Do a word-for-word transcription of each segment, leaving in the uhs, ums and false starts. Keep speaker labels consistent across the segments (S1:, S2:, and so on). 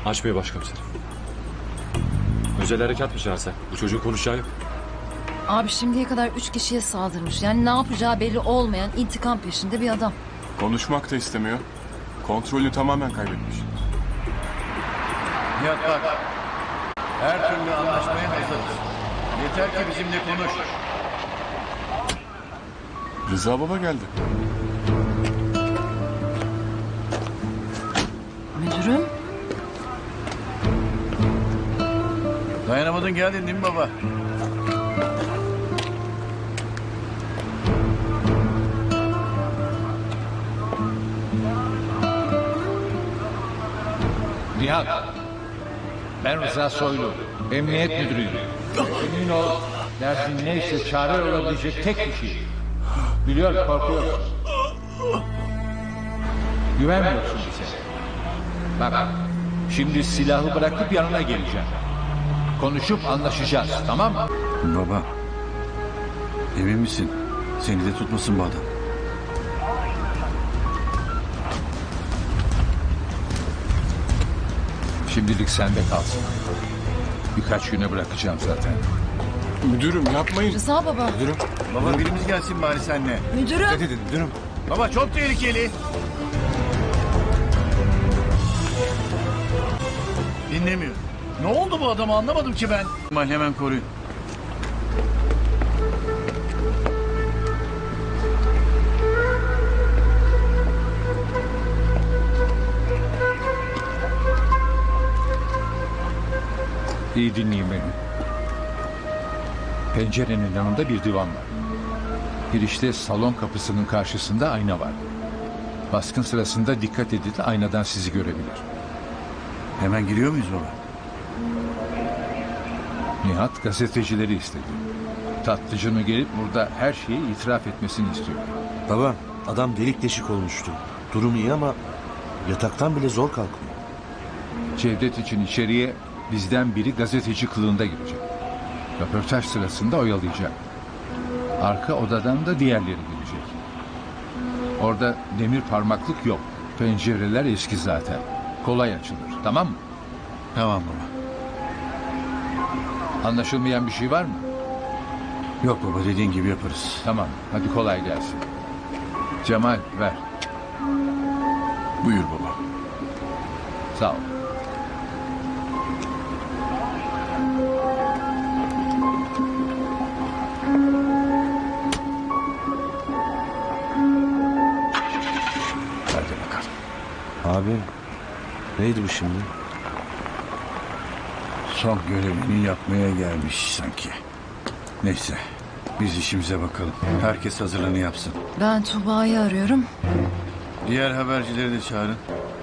S1: Açmıyor başkomiserim. Özel harekat mı çağırsak? Bu çocuğun konuşacağı yok.
S2: Abi şimdiye kadar üç kişiye saldırmış. Yani ne yapacağı belli olmayan intikam peşinde bir adam.
S3: Konuşmak da istemiyor. Kontrolü tamamen kaybetmiş.
S4: Nihat bak. Her türlü anlaşmaya hazırız. Yeter ki bizimle konuş.
S3: Rıza baba geldi.
S2: Müdürüm.
S4: Dayanamadın geldin değil mi baba?
S5: Nihat, ben Rıza Soylu, emniyet müdürüyüm. Emin ol, derdin neyse çare olabilecek tek kişi. Biliyorum korkuyorsun. Güvenmiyorsun bize. Bak, şimdi silahı bırakıp yanına geleceğim. Konuşup anlaşacağız, tamam mı?
S4: Baba. Emin misin? Seni de tutmasın bu adam.
S5: Şimdilik sende kalsın. Birkaç güne bırakacağım zaten.
S3: Müdürüm yapmayın.
S2: Rıza baba.
S3: Müdürüm.
S4: Baba birimiz gelsin bari seninle.
S2: Müdürüm.
S3: Ne dedin müdürüm?
S4: Baba çok tehlikeli. Dinlemiyor. Ne oldu bu adamı anlamadım ki ben. Mal hemen koruyun.
S5: İyi dinleyin beni. Pencerenin yanında bir divan var. Girişte salon kapısının karşısında ayna var. Baskın sırasında dikkat edin, aynadan sizi görebilir.
S4: Hemen giriyor muyuz baba?
S5: Nihat gazetecileri istedi. Tatlıcının gelip burada her şeyi itiraf etmesini istiyor.
S6: Baba, adam delik deşik olmuştu. Durum iyi ama yataktan bile zor kalkıyor.
S5: Cevdet için içeriye bizden biri gazeteci kılığında girecek. Röportaj sırasında oyalayacak. Arka odadan da diğerleri gelecek. Orada demir parmaklık yok. Pencereler eski zaten. Kolay açılır. Tamam mı?
S4: Tamam baba.
S5: Anlaşılmayan bir şey var mı?
S4: Yok baba dediğin gibi yaparız.
S5: Tamam. Hadi kolay gelsin. Cemal ver.
S3: Buyur baba.
S5: Sağ ol.
S4: Hadi bakalım.
S6: Abi, neydi bu şimdi?
S4: Son görevini yapmaya gelmiş sanki. Neyse. Biz işimize bakalım. Herkes hazırlığını yapsın.
S2: Ben Tuba'yı arıyorum.
S4: Diğer habercileri de çağırın.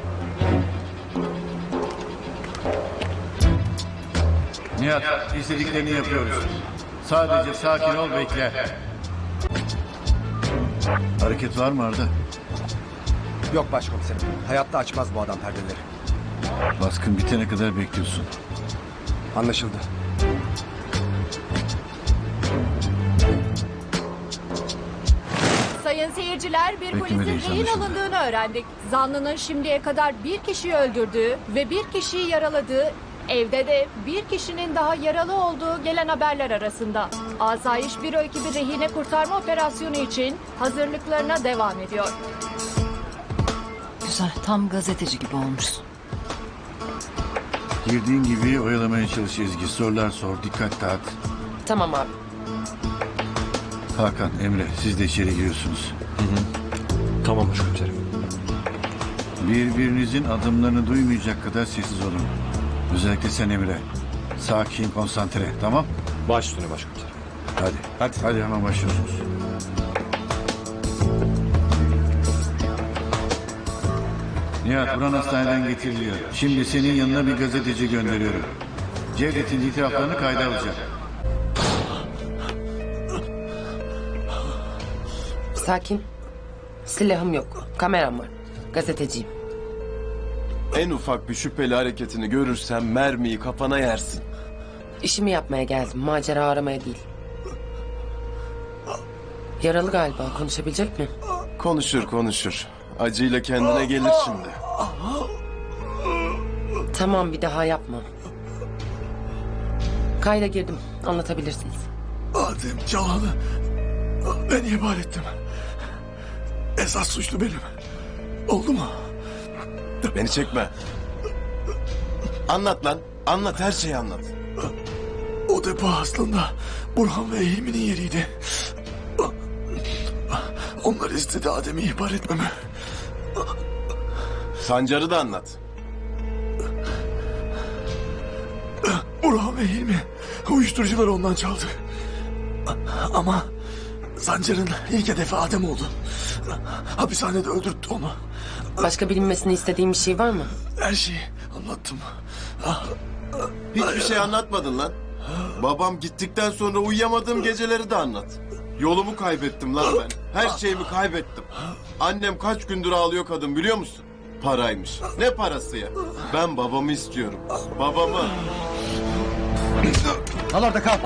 S4: Nihat, istediklerini yapıyoruz. Sadece sakin ol, bekle. Hareket var mı Arda?
S7: Yok başkomiserim. Hayatta açmaz bu adam perdeleri.
S4: Baskın bitene kadar bekliyorsun.
S7: Anlaşıldı.
S8: Sayın seyirciler, bir polisin
S4: Beklemediğimiz
S8: rehin
S4: anlaşıldı.
S8: alındığını öğrendik. Zanlının şimdiye kadar bir kişiyi öldürdüğü ve bir kişiyi yaraladığı, evde de bir kişinin daha yaralı olduğu gelen haberler arasında. Asayiş Büro ekibi rehine kurtarma operasyonu için hazırlıklarına devam ediyor.
S2: Güzel. Tam gazeteci gibi olmuşsun.
S4: Girdiğin gibi oyalamaya çalış Ezgi. Sorular sor, dikkat dağıt.
S9: Tamam abi.
S4: Hakan, Emre siz de içeri giriyorsunuz.
S1: Tamam başkomiserim.
S4: Birbirinizin adımlarını duymayacak kadar sessiz olun. Özellikle sen Emre. Sakin, konsantre, tamam?
S1: Baş üstüne başkomiserim.
S4: Hadi, hadi. Hadi hemen başlıyorsunuz. Nihat, Buran hastaneden getiriliyor. Şimdi senin yanına bir gazeteci gönderiyorum. Cevdet'in itiraflarını kayda alacak.
S9: Sakin. Silahım yok. Kameram var. Gazeteciyim.
S3: En ufak bir şüpheli hareketini görürsen mermiyi kafana yersin.
S9: İşimi yapmaya geldim. Macera aramaya değil. Yaralı galiba. Konuşabilecek mi?
S3: Konuşur konuşur. Acıyla kendine gelir şimdi.
S9: Tamam, bir daha yapmam. Kayda girdim. Anlatabilirsiniz.
S10: Adem Cahan'ı ben ihbar ettim. Esas suçlu benim. Oldu mu?
S3: Beni çekme. Anlat lan. Anlat, her şeyi anlat.
S10: O depo aslında Burhan ve Hilmi'nin yeriydi. Onlar istedi Adem'i ihbar etmemi.
S3: Sancar'ı da anlat.
S10: Burhan ve Hilmi uyuşturucuları ondan çaldı. Ama Sancar'ın ilk hedefi Adem oldu. Hapishanede öldürttü onu.
S9: Başka bilinmesini istediğim bir şey var mı?
S10: Her şeyi anlattım.
S3: Hiçbir şey anlatmadın lan. Babam gittikten sonra uyuyamadığım geceleri de anlat. Yolumu kaybettim lan ben. Her şeyimi kaybettim. Annem kaç gündür ağlıyor kadın, biliyor musun? Paraymış. Ne parası ya? Ben babamı istiyorum. Babamı.
S7: Kal orada kal.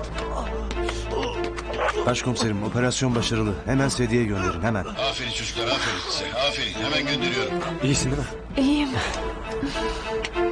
S6: Başkomiserim, operasyon başarılı. Hemen sediye gönderin, hemen.
S4: Aferin çocuklar, aferin size. Aferin, hemen gönderiyorum.
S7: İyisin değil mi?
S8: İyiyim.